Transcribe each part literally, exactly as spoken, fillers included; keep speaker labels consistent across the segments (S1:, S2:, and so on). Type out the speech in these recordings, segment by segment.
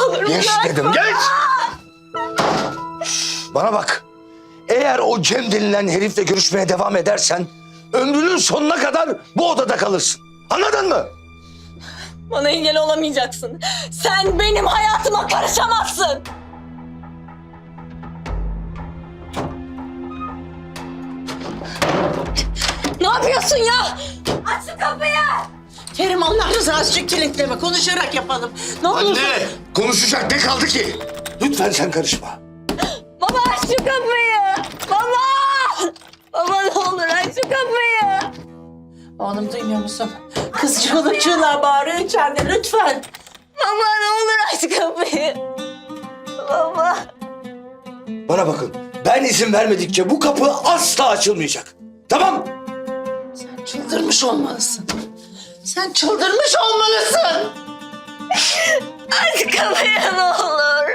S1: olur
S2: Geç
S1: bırakma.
S2: dedim, geç! Bana bak. Eğer o Cem denilen herifle görüşmeye devam edersen ömrünün sonuna kadar bu odada kalırsın. Anladın mı?
S1: Bana engel olamayacaksın. Sen benim hayatıma karışamazsın. Ne yapıyorsun ya? Aç şu kapıyı.
S3: Kerim Allah rızası için kilitleme. Konuşarak yapalım. Ne olursun.
S2: Anne! Konuşacak ne kaldı ki? Lütfen sen karışma.
S1: Baba aç şu kapıyı. Baba. Baba ne olur aç şu kapıyı.
S3: Oğlum duymuyor musun? Kız çığlık çığlığa bağırıyor içeride lütfen.
S1: Baba ne olur aç kapıyı. Baba.
S2: Bana bakın. Ben izin vermedikçe bu kapı asla açılmayacak. Tamam?
S3: Sen çıldırmış olmalısın. Sen çıldırmış olmalısın.
S1: Aç kapıyı ne olur.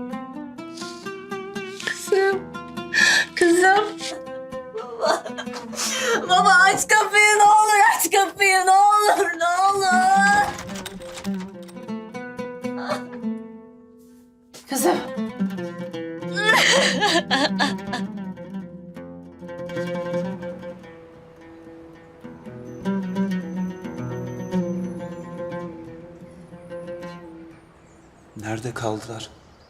S1: Kızım. Kızım. Baba. Baba aç kapıyı ne olur aç kapıyı ne olur ne olur.
S3: Kızım.
S4: Nerede kaldılar?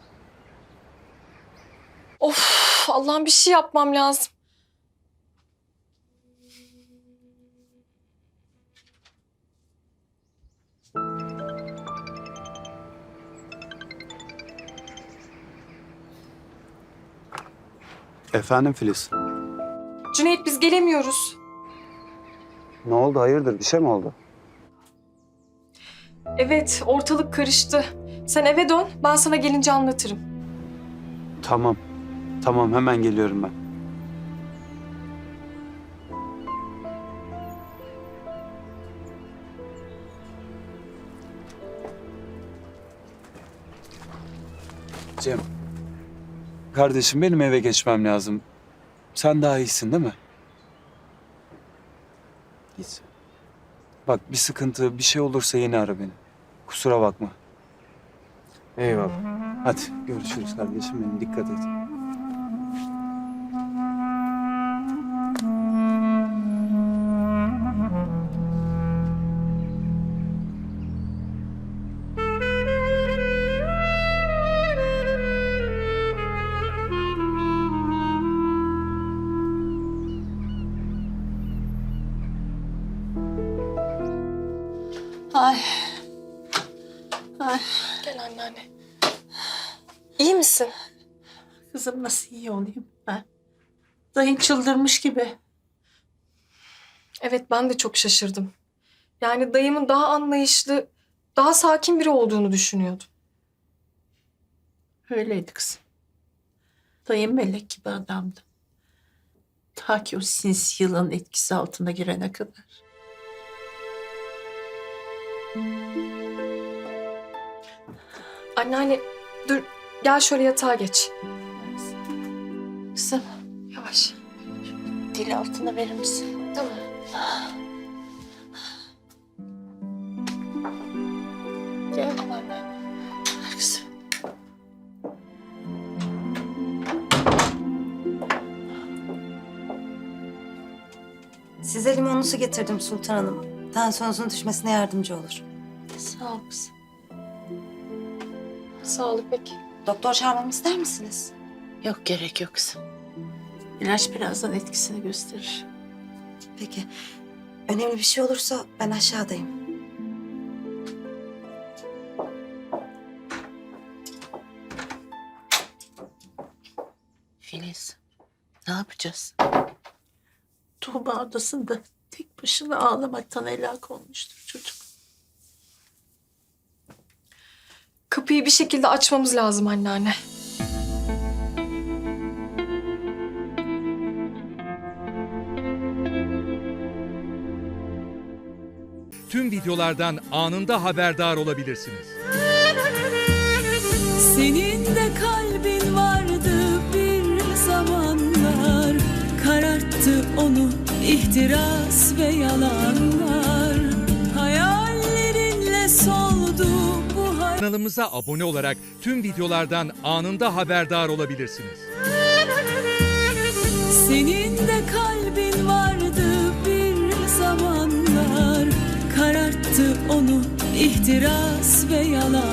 S5: Of Allah'ım bir şey yapmam lazım.
S4: Efendim Filiz.
S5: Cüneyt biz gelemiyoruz.
S4: Ne oldu? Hayırdır? Bir şey mi oldu?
S5: Evet ortalık karıştı. Sen eve dön ben sana gelince anlatırım.
S4: Tamam. Tamam hemen geliyorum ben. Cem. Kardeşim benim eve geçmem lazım. Sen daha iyisin değil mi? İyisin. Bak bir sıkıntı, bir şey olursa yine ara beni. Kusura bakma. Eyvallah. Hadi görüşürüz kardeşim benim. Dikkat et.
S3: Ay. Ay.
S5: Gel anneanne. İyi misin?
S3: Kızım nasıl iyi olayım ben? Dayın çıldırmış gibi.
S5: Evet ben de çok şaşırdım. Yani dayımın daha anlayışlı, daha sakin biri olduğunu düşünüyordum.
S3: Öyleydi kızım. Dayım melek gibi adamdı. Ta ki o sinsi yılanın etkisi altına girene kadar.
S5: Anneanne dur gel şöyle yatağa geç.
S3: Kızım
S5: Yavaş.
S3: dil altına verir misin?
S5: Tamam.
S3: Gel anne. Kızım.
S6: Size limonlu su getirdim Sultan Hanım. Tansiyonunuzun düşmesine yardımcı olur.
S3: Sağ ol kızım.
S5: Sağ ol İpek.
S6: Doktor çağırmamı ister misiniz?
S3: Yok gerek yok kızım. İlaç birazdan etkisini gösterir.
S6: Peki. Önemli bir şey olursa ben aşağıdayım.
S3: Filiz, ne yapacağız? Tuğba odasında tek başına ağlamaktan helak olmuştur çocuk.
S5: Kapıyı bir şekilde açmamız lazım anneanne.
S7: Tüm videolardan anında haberdar olabilirsiniz.
S8: Senin de kalbin vardı bir zamanlar, kararttı onu ihtiras ve yalanlar. Hayallerinle soldu bu hayat.
S7: Kanalımıza abone olarak tüm videolardan anında haberdar olabilirsiniz.
S8: Senin de kalbin vardı bir zamanlar, kararttı onu ihtiras ve yalan.